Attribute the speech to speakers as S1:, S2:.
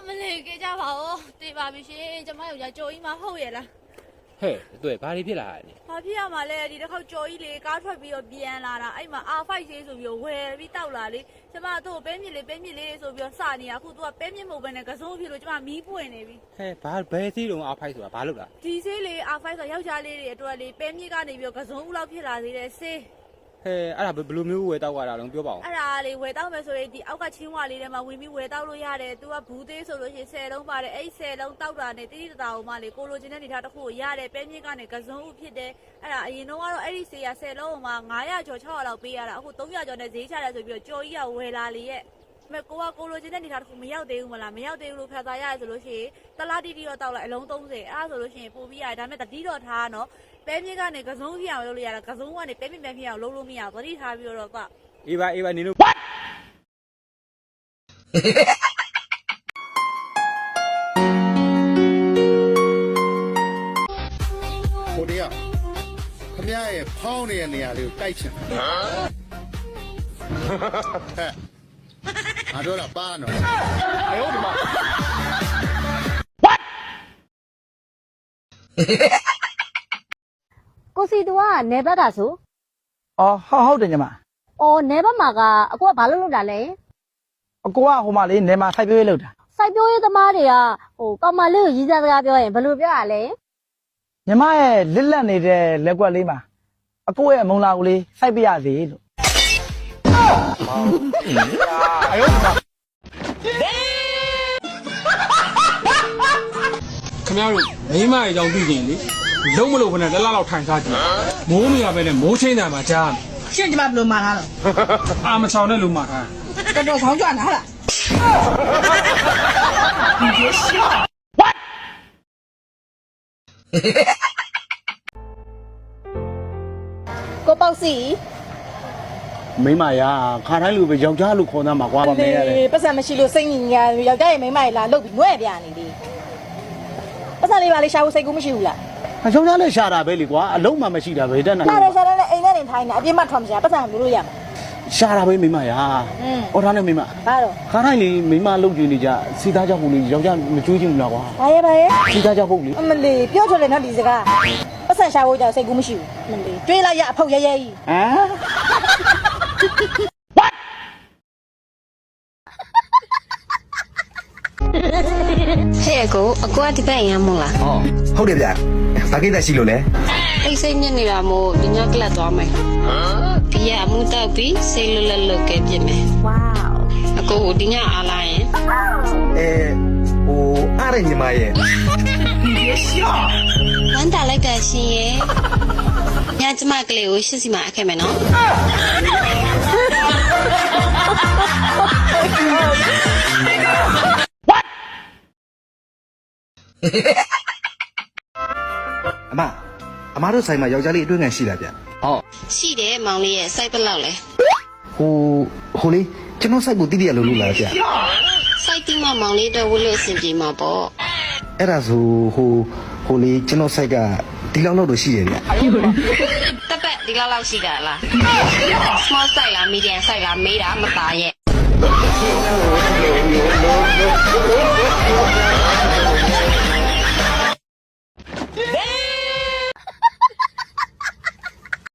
S1: လေးကြပါဦးတေးပါပြီရှင်ကျမယောက်ျားကြော်ကြီးမဟုတ်ရဲ့လား
S2: ဟဲ့တွေ့ဘာတွေဖြစ်လာလဲ
S1: ဘာဖြစ်ရမှာလဲဒီတစ်ခေါက်ကြော်ကြီးလေကားထွက်ပြီးတော့ပြန်လာတာအဲ့မှာ R5 ဆေးဆိုပြီးတော့ဝယ်ပြီးတောက်လာလေကျမတို့ပဲမြစ်လေးဆိုပြီးတော့စနေရအခုသူကပဲမြစ်မဟုတ်ဘဲနဲ့ကစုံဖြစ်လို့ကျမမီးပွင့်နေပြီ
S2: ဟဲ့ဘာဘယ်စီးလုံးအားဖိုက်ဆိုတာဘာလို့လား
S1: ဒီဆေးလေ R5 ဆိုယောက်ျားလေးတွေအတွက်လေပဲမြစ်ကနေပြီးတော့ကစုံဦးလောက်ဖြစ်လာသေးတယ်ဆေး
S2: ဟဲ့အဲ့ဒါဘယ်လိုမျိုးဝယ်တောက်ရတာလဲပြောပါဦး
S1: အဲ့ဒါလေဝယ်တောက်မယ်ဆိုရင်ဒီအောက်ကချင်းဝါလေးထဲမှာဝင်ပြီးဝယ်တောက်လို့ရတယ်သူကဘူးသေးဆိုလို့ရှိရင်10လုံးပါတယ်အဲ့10လုံးတောက်တာနဲ့တိတိတတာအောင်မလေးကိုလိုချင်တဲ့နေထားတစ်ခုကိုရတယ်ပဲမြင့်ကနေကစုံဦးဖြစ်တယ်အဲ့ဒါအရင်တော့ကတော့အဲ့ဒီဆေးရ10လုံးမှာ900ကျော်600လောက်ပေးရတာအခု300ကျော်နဲ့ဈေးချတယ်ဆိုပြီးတော့ကြော်ကြီးကဝယ်လာလေရဲ့မဲ့ကိုလိုချင်တဲ့နေထားတစ်ခုမရောက်သေးဘူးမလားမရောက်သေးဘူးလို့ဖတ်သားရတယ်ဆိုလို့ရှိရင်တလားတီတီတော့တောက်လိုက်အလုံး30အဲ့ဒါဆိုလို့ရှိရင်ပို့ပြီးရတယ်ဒါမဲ့တတိတော့ထားနော်ပဲမြင့်ကနေကစုံဖြစ်အောင်လုပ်လို့ရတာကစုံကနေပဲမြင့်ဖြစ်အောင်လုပ်လို့မရဘူးသတိထားပြီးတော့က
S2: အေးပါနင်တို့
S3: ကိုတရခမရရဲ့ဖောင်းနေတဲ့နေရာလေးကိုတိုက်ချင်တယ်ဟဲ့အားတော့လာပါနော်哎呦我的妈
S4: ကိုစီတူကနေဘက်တာဆို
S5: အော်ဟုတ်တယ်ညီမ
S4: အော်နေဘက်မှာကအကိုကဘာလုပ်တာလဲ
S5: အကိုကဟိုမှာလေးနေမှာစိုက်ပျိုးရေးလုပ်တာ
S4: စိုက်ပျိုးရေးသမားတွေကကောင်မလေးကိုရည်စားစကားပြောရင်ဘယ်လိုပြောရလဲ
S5: ညီမရဲ့လစ်လက်နေတဲ့လက်ကွက်လေးမှာအကိုရဲ့မုံလာကိုလေးစိုက်ပြရစေလို့
S2: 哎呦我的妈
S6: ခင်ဗျားတို့မိမရဲ့အကြောင်းသိကြရင်လေလုံးမလို့ခနဲ့လက်လောက်ထိုင်စားကြည့်မိုးမရပဲနဲ့မိုးချင်းတယ်မှာကြား
S7: ရှင်းကျမဘယ်လိုမှားထားတော့
S6: အာမချောင်နဲ့လူမှာထား
S7: တော်တော်ခေါင်းကြွနားလား
S5: 你别笑
S4: ကိုပေါ့စီ
S3: မိမရာခါတိုင်းလူပဲယောက်ျားလူခေါ်သားမှာကွာပါမဲရတယ်
S4: ပတ်စံမရှိလို့စိတ်ညစ်ညာယောက်ျားရဲ့မိန်းမကြီးလာလှုပ်ပြီးငွဲ့ပြနေလေပတ်စံလေးပါလေးရှာဖို့စိတ်ကူးမရှိဘူးလား
S3: ယောက်ျားလည်းရှာတာပဲလေကွာအလုံးမှမရှိတာပဲတက်နိုင်
S4: ရှာတယ်အိမ်ထဲနေထိုင်နေအပြစ်မှထွက်မရှာပတ်စံမျိုးလို့ရမှာ
S3: ရှာတာပဲမိမရာဟောထားနေမိမ
S4: ဘာတော့
S3: ခါတိုင်းလေမိမလှုပ်ကြည့်နေကြစီသားကြောက်ဖို့လေယောက်ျားမကြွေးချင်ဘူးလားကွာ
S4: ဘာရဲ့
S3: စီသားကြောက်ဖို့လေ
S4: အမလီပြောထွက်တယ်နော်ဒီစကားပတ်စံရှာဖို့ကြောင့်စိတ်ကူးမရှိဘူးအမလီတွေးလိုက်ရအဖုတ်ရဲကြီး
S3: ဟမ်
S8: ဟဲ့အကိုကဒီဘက်ရမ်းမို့လား
S9: ဟုတ်တယ်ဗျာဘာကိစ္စရှိလို့လဲ
S8: အိတ်စိတ်ညစ်နေတာမို့ဒီညကလပ်သွားမယ်ဒီရအမှုတောက်ပြီးစိတ်လွတ်လပ်လုပ်ခဲ့ပြစ်မယ်
S4: ဝေါ
S8: အကိုဒီညအားလာရင်
S9: အားရညီမရဲ့
S8: ဝမ်းတာလိုက်တာရှင်ရဲ့ညကျမကလေးကိုရှစ်စီမှာအခဲ့မယ်နော်
S9: အမတို့ဆိုင်မှာယောက်ျားလေးအတွင်းခံရှိလားဗျ
S8: ဟုတ်ရှိတယ်မောင်လေးရဲ့စိုက်ပလောက်လဲ
S9: ဟိုလေးကျွန်တော်စိုက်ဖို့တိတိရလို့လို့လားဗျ
S8: စိုက်တိမမောင်လေးတော့ဝလို့အဆင်ပြေမှာပေါ့
S9: အဲ့ဒါဆိုဟိုလေးကျွန်တော်စိုက်ကဒီလောက်တော့ရှိတယ်ဗျ
S8: တက်ပတ်ဒီလောက်ရှိတာလား small size လား medium size လားမေးတာမသားရဲ့